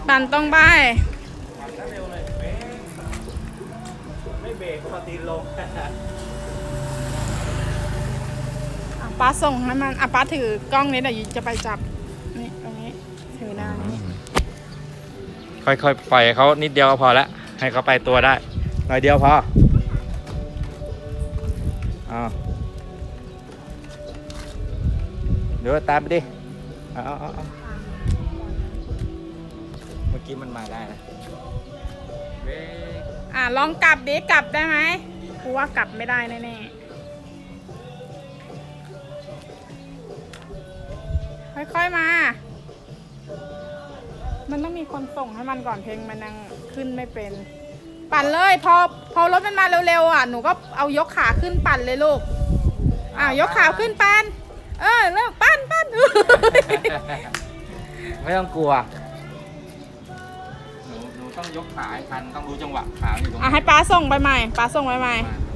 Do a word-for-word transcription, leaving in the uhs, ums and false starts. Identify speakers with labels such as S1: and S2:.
S1: ปั่นตรงไป
S2: ปั่นเร็วเลยเบรกไม่เบรกก็มาตีนลง
S1: ป้าส่งให้มันอ่ะป้าถือกล้องนี้เดี๋ยวจะไปจับนี่ตรงนี้ถือหน้านี้
S2: ค่อยๆปล่อยเขานิดเดียวก็พอแล้วให้เขาไปตัวได้หน่อยเดียวพออ้าวเดี๋ยวตามไปดิเอาเอาเอาเมื่อกี้มันมาได้นะเบรก
S1: อ่ะลองกลับดิกลับได้ไหมกูว่ากลับไม่ได้แน่ๆค่อยๆมา มันต้องมีคนส่งให้มันก่อนเพลงมันยังขึ้นไม่เป็น ปั่นเลยพอพอรถมันมาเร็วๆอ่ะหนูก็เอายกขาขึ้นปั่นเลยลูกอ้าวยกขาขึ้นปั่นเออเลิกปั่นปั่น
S2: ไม่ต้องกลัวหนูหนูต้องยกขาให้ทันต้องรู้จังหวะขาอยู่ตรงไหน
S1: อ่ะให้ป้าส่งไปใหม่ป้าส่งไปใหม่
S2: มา